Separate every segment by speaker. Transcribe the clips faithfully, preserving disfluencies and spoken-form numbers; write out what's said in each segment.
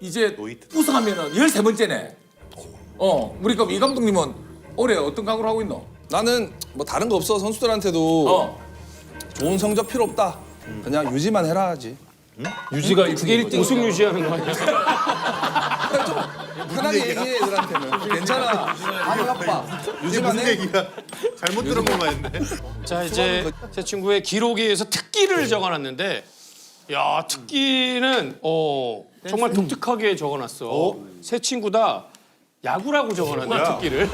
Speaker 1: 이제 우승하면은 열세 번째네. 어, 우리 그럼 이 감독님은 올해 어떤 각오를 하고 있노?
Speaker 2: 나는 뭐 다른 거 없어. 선수들한테도
Speaker 1: 어.
Speaker 2: 좋은 성적 필요 없다. 그냥 유지만 해라 하지.
Speaker 3: 유지가 그게 일 등 우승 유지하는 거 아니야?
Speaker 2: 편하게 얘기해 애들한테는. 괜찮아. 안 아파. 유지만 해.
Speaker 4: 얘기야. 잘못 들은 것만 했네.
Speaker 3: 자 이제 새 친구의 기록에 의해서 특기를 적어놨는데, 야 특기는 어 정말 독특하게 적어놨어. 새 친구다 야구라고 적어놨네 특기를.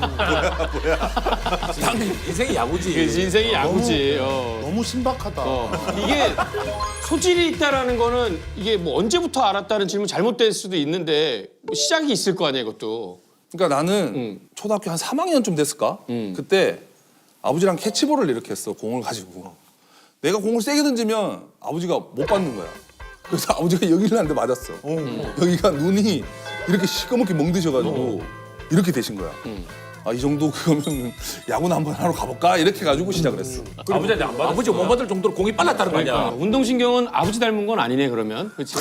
Speaker 1: 당연히 인생이 야구지.
Speaker 3: 그 인생이 야구지. 어.
Speaker 4: 너무 신박하다.
Speaker 3: 어. 이게 소질이 있다라는 거는 이게 뭐 언제부터 알았다는 질문 잘못될 수도 있는데 뭐 시작이 있을 거 아니야 이것도.
Speaker 2: 그러니까 나는
Speaker 3: 응.
Speaker 2: 초등학교 한 삼 학년쯤 됐을까?
Speaker 3: 응.
Speaker 2: 그때 아버지랑 캐치볼을 이렇게 했어. 공을 가지고. 내가 공을 세게 던지면 아버지가 못 받는 거야. 그래서 아버지가 여기를 한 대 맞았어. 여기가 눈이 이렇게 시꺼멓게 멍드셔가지고 이렇게 되신 거야. 아, 이 정도 그러면 야구나 한번 하러 가볼까? 이렇게 해가지고 시작을 했어.
Speaker 1: 아버지한테 안 받아. 아버지 못 받을 정도로 공이 빨랐다는 거
Speaker 3: 그러니까
Speaker 1: 아니야.
Speaker 3: 운동신경은 아버지 닮은 건 아니네 그러면. 그렇지?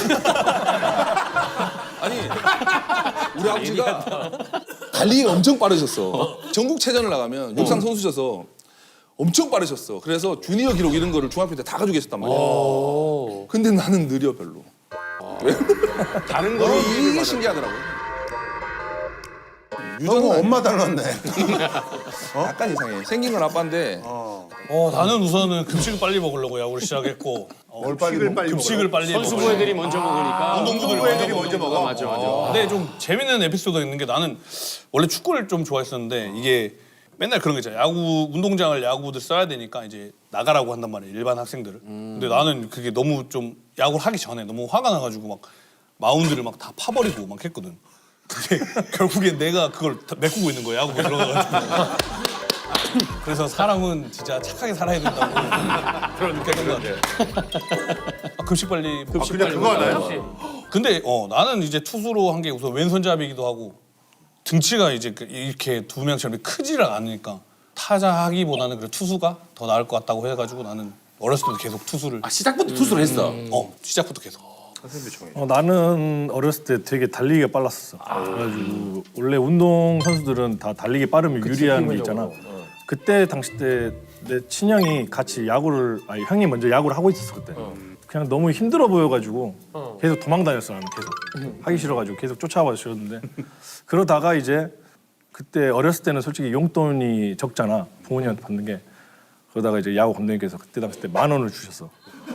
Speaker 2: 아니 우리 아버지가 달리기가 엄청 빠르셨어. 전국체전을 나가면 육상 선수셔서 엄청 빠르셨어. 그래서 주니어 기록 이런 거를 중학교 때 다 가지고 계셨단 말이야. 근데 나는 느려 별로.
Speaker 3: 다른
Speaker 2: 어,
Speaker 3: 거로
Speaker 2: 이게 신기하더라고.
Speaker 4: 너무 엄마 닮았네.
Speaker 2: 약간 이상해. 생긴 건 아빠인데
Speaker 5: 어, 나는 우선은 급식을 빨리 먹으려고 야구를 시작했고 어,
Speaker 4: 뭘 빨리 먹
Speaker 5: 빨리 급식을 빨리
Speaker 3: 선수부
Speaker 5: 먹어요.
Speaker 3: 애들이 먼저 먹으니까.
Speaker 5: 운동부들
Speaker 4: 운동부 애들이
Speaker 5: 먼저
Speaker 4: 먼저
Speaker 5: 먹어.
Speaker 4: 먹어.
Speaker 3: 맞아 맞아.
Speaker 5: 근데 좀 재밌는 에피소드가 있는 게 나는 원래 축구를 좀 좋아했었는데 이게 맨날 그런 거 있잖아. 야구 운동장을 야구들 써야 되니까 이제 나가라고 한단 말이야 일반 학생들을. 근데 나는 그게 너무 좀 야구를 하기 전에 너무 화가 나가지고 막 마운드를 막 다 파버리고 막 했거든. 근데 결국엔 내가 그걸 다 메꾸고 있는 거야 야구에 들어가가지고. 그래서 사람은 진짜 착하게 살아야 된다고 그런 느꼈던 것 같아. 아, 급식 빨리 먹-
Speaker 4: 아, 그냥 그거 하나요?
Speaker 5: 근데 어 나는 이제 투수로 한 게 우선 왼손잡이기도 하고 등치가 이제 그 이렇게 두 명처럼 크지를 않으니까 타자 하기보다는 그래 투수가 더 나을 것 같다고 해가지고 나는 어렸을 때도 계속 투수를
Speaker 1: 아, 시작부터 투수를 했어.
Speaker 5: 어 시작부터 계속.
Speaker 6: 어, 나는 어렸을 때 되게 달리기가 빨랐었어. 그래가지고 원래 운동 선수들은 다 달리기 빠르면 유리한 게 있잖아. 그때 당시 때 내 친형이 같이 야구를 아니 형이 먼저 야구를 하고 있었어 그때. 그냥 너무 힘들어 보여가지고 계속 도망 다녔어 나는 계속 하기 싫어가지고 계속 쫓아와 주셨는데 그러다가 이제 그때 어렸을 때는 솔직히 용돈이 적잖아 부모님한테 받는 게. 그러다가 이제 야구 감독님께서 그때 당시 때 만 원을 주셨어.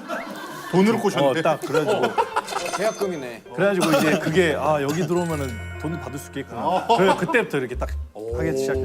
Speaker 4: 돈으로 꼬셨는데.
Speaker 6: 어, 딱 그래가지고
Speaker 3: 계약금이네.
Speaker 6: 그래가지고 이제 그게 아 여기 들어오면은 돈 받을 수 있겠구나. 그래 그때부터 이렇게 딱 하기 시작해.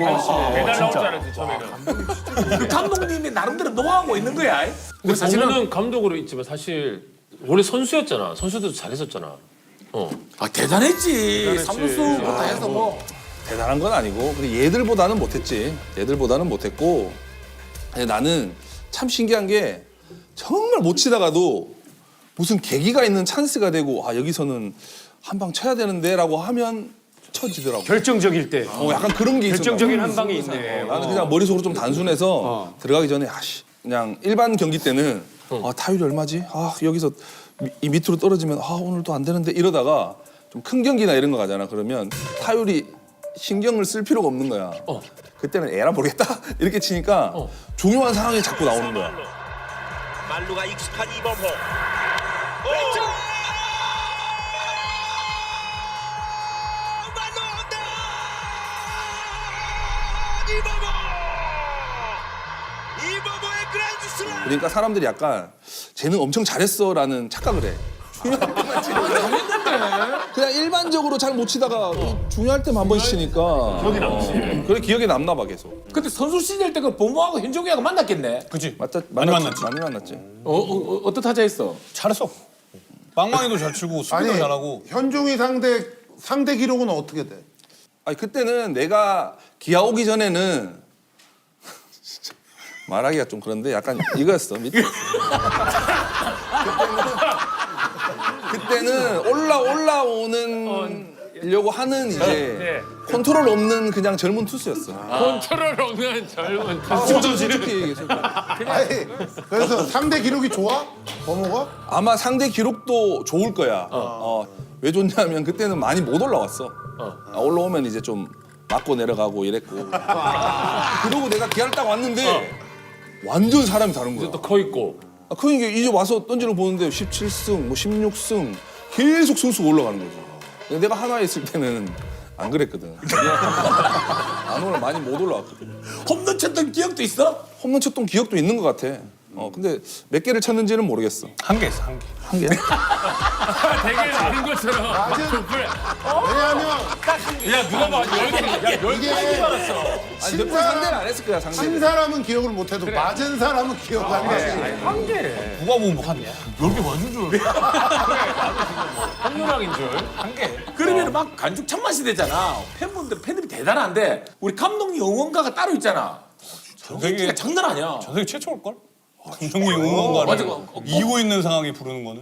Speaker 3: 배달 나올 줄 알았지 처음에는.
Speaker 1: 그 감독님이 나름대로 노하우가 있는 거야. 근데 사실은
Speaker 7: 사실은 감독으로 있지만 사실 원래 선수였잖아. 선수도 잘했었잖아. 어.
Speaker 1: 아, 대단했지. 사무수부터 해서 뭐.
Speaker 2: 대단한 건 아니고 근데 얘들보다는 못했지. 얘들보다는 못했고 근데 나는 참 신기한 게 정말 못 치다가도 무슨 계기가 있는 찬스가 되고 아 여기서는 한 방 쳐야 되는데라고 하면 쳐지더라고.
Speaker 3: 결정적일 때.
Speaker 2: 어, 약간 그런 게 있어.
Speaker 3: 결정적인 한 방이 있네.
Speaker 2: 나는 그냥 머릿속으로 좀 단순해서 들어가기 전에 아씨 그냥 일반 경기 때는 아 타율이 얼마지? 아 여기서 미, 이 밑으로 떨어지면 아 오늘도 안 되는데 이러다가 좀 큰 경기나 이런 거 가잖아. 그러면 타율이 신경을 쓸 필요가 없는 거야. 그때는 에라 모르겠다 이렇게 치니까 중요한 상황이 자꾸 나오는 거야.
Speaker 8: 말루가 익숙한 이범호 왼쪽 말루 온다 이범호 이범호의 그랜드 슬램
Speaker 2: 그러니까 사람들이 약간 쟤는 엄청 잘했어라는 착각을 해. 중요할 때만 치니까. 그냥 일반적으로 잘 못 치다가 중요할 때만 한 번 치니까 기억이 남지. 그래 기억에 남나 봐 계속.
Speaker 1: 그때 선수 시절 때 그 보모하고 현종이하고 만났겠네.
Speaker 5: 그치?
Speaker 2: 맞다,
Speaker 5: 많이
Speaker 2: 만났지,
Speaker 5: 만났지.
Speaker 2: 많이 만났지.
Speaker 1: 어, 어, 어, 어떤 타자 했어?
Speaker 5: 잘했어. 빵망이도 잘 치고 수비도
Speaker 4: 아니
Speaker 5: 잘하고.
Speaker 4: 현종이 상대 상대 기록은 어떻게 돼?
Speaker 2: 아니 그때는 내가 기아 오기 전에는 진짜 말하기가 좀 그런데 약간 이거였어 밑에. 그때는, 그때는 올라 올라오는 려고 하는 이제 컨트롤 없는 그냥 젊은 투수였어.
Speaker 7: 컨트롤 없는 젊은
Speaker 2: 솔직히 솔직히
Speaker 4: 아니 그래서 상대 기록이 좋아? 범호가?
Speaker 2: 아마 상대 기록도 좋을 거야. 어, 왜 좋냐면 그때는 많이 못 올라왔어. 아, 올라오면 이제 좀 맞고 내려가고 이랬고. 그러고 내가 기아를 딱 왔는데 완전 사람이 다른 거야.
Speaker 7: 또 커 있고.
Speaker 2: 아, 그러니까 이제 와서 던지는 거 보는데 십칠 승, 뭐 십육 승 계속 승수가 올라가는 거지. 근데 내가 하나에 있을 때는 안 그랬거든. 안 올라 많이 못 올라왔거든.
Speaker 1: 홈런 쳤던 기억도 있어?
Speaker 2: 홈런 쳤던 기억도 있는 것 같아. 어 근데 몇 개를 쳤는지는 모르겠어.
Speaker 5: 한 개 있어 한 개.
Speaker 2: 한 개?
Speaker 7: 되게 아는 것처럼. 막 그래.
Speaker 4: 왜냐하면
Speaker 7: 야 누가 봐 열 개. 야열
Speaker 4: 이게
Speaker 7: 개 받았어.
Speaker 2: 아니 몇번 상대를 안 했을 거야
Speaker 4: 친
Speaker 2: 상대.
Speaker 4: 사람은 기억을 못해도 맞은 사람은 기억하네.
Speaker 7: 한 개.
Speaker 5: 누가 보면 뭐한 개. 열개 맞은 줄.
Speaker 7: 한누락인 줄.
Speaker 5: 한 개.
Speaker 1: 그러면 막 간죽 참맛이 되잖아. 팬분들 팬들이 대단한데 우리 감독님 응원가가 따로 있잖아. 인기가 장난 아니야.
Speaker 5: 전 세계 최초일 걸? 감독님 응원가를
Speaker 1: 맞아. 어, 어.
Speaker 5: 이기고 있는 상황에 부르는 거는.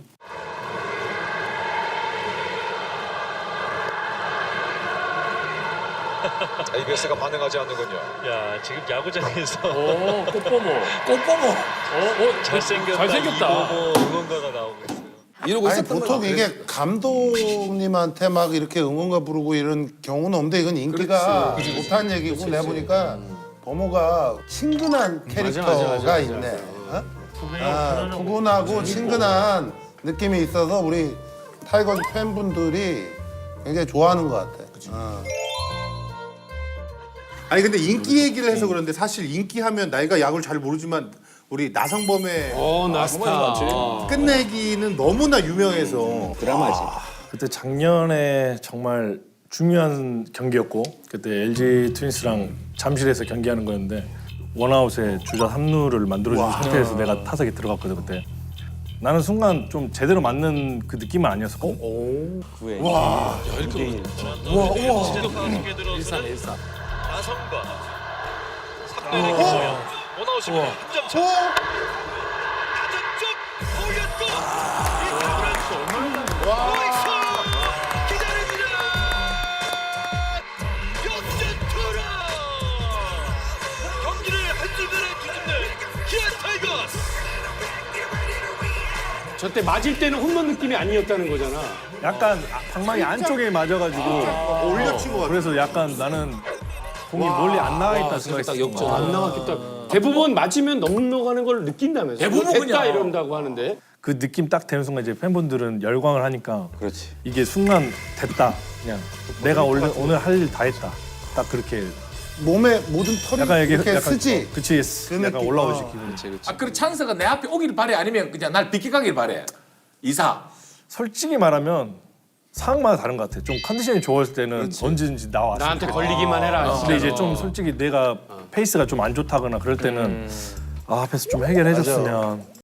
Speaker 9: 에이비에스가 반응하지 않는군요.
Speaker 8: 야 지금 야구장에서
Speaker 7: 오 꽃보모.
Speaker 1: 꽃보모.
Speaker 7: 어, 어
Speaker 8: 잘생겼다,
Speaker 7: 잘생겼다.
Speaker 8: 이보고 응원가가 나오고 있어요.
Speaker 2: 이러고
Speaker 4: 아니
Speaker 2: 있었던
Speaker 4: 보통
Speaker 2: 거야.
Speaker 4: 이게 감독님한테 막 이렇게 응원가 부르고 이런 경우는 없는데 이건 인기가 못한 얘기고 내가 보니까 범호가 친근한 캐릭터가 있네. 어? 아, 푸근하고 친근한 느낌이 있어서 우리 타이거즈 팬분들이 굉장히 좋아하는 것 같아. 어.
Speaker 10: 아니 근데 인기 얘기를 해서 그런데 사실 인기하면 나이가 야구를 잘 모르지만 우리 나성범의
Speaker 3: 어 나스타.
Speaker 10: 끝내기는 너무나 유명해서
Speaker 6: 그때 작년에 정말 중요한 경기였고 그때 엘지 트윈스랑 잠실에서 경기하는 거였는데 원아웃에 주자 삼 루를 만들어준 상태에서 내가 타석에 들어갔거든 그때. 나는 순간 좀 제대로 맞는 그 느낌은 아니었었거든.
Speaker 7: 일산 일산.
Speaker 8: 나성과 삼 대 일 김호영 원아웃입니다. 한 점 차. 타점 쪽 올렸고 이 타구를 보이스 기다립니다. 역전 투런 경기를 한순간에 뒤집는 기아 타이거스.
Speaker 3: 저때 맞을 때는 홈런 느낌이 아니었다는 거잖아.
Speaker 6: 약간 방망이 안쪽에 맞아가지고
Speaker 10: 올려친 것 같아.
Speaker 6: 그래서 약간 나는 공이 멀리 안 나가 있다 생각했어.
Speaker 7: 역전.
Speaker 3: 안 나왔겠다. 대부분 맞으면 넘어가는 걸 느낀다면서.
Speaker 1: 대부분
Speaker 3: 됐다
Speaker 1: 그냥.
Speaker 3: 이런다고 하는데.
Speaker 6: 그 느낌 딱 되는 순간 이제 팬분들은 열광을 하니까 이게 순간 됐다 그냥 내가 원래 오늘 할 일 다 했다 딱 그렇게
Speaker 4: 몸에 모든 털이
Speaker 6: 약간 이게
Speaker 4: 이렇게
Speaker 6: 약간
Speaker 4: 쓰지.
Speaker 6: 어, 그치
Speaker 4: 그
Speaker 6: 약간
Speaker 4: 느낌.
Speaker 6: 올라오지
Speaker 4: 어.
Speaker 6: 기분.
Speaker 1: 아 그래 찬스가 내 앞에 오길 바래 아니면 그냥 날 비켜가길 바래. 이사.
Speaker 6: 솔직히 말하면 상황마다 다른 것 같아. 좀 컨디션이 좋았을 때는 언제든지 나와.
Speaker 3: 나한테 걸리기만 해라.
Speaker 6: 근데 이제 좀 솔직히 내가 페이스가 좀 안 좋다거나 그럴 때는 아 앞에서 좀 해결해줬으면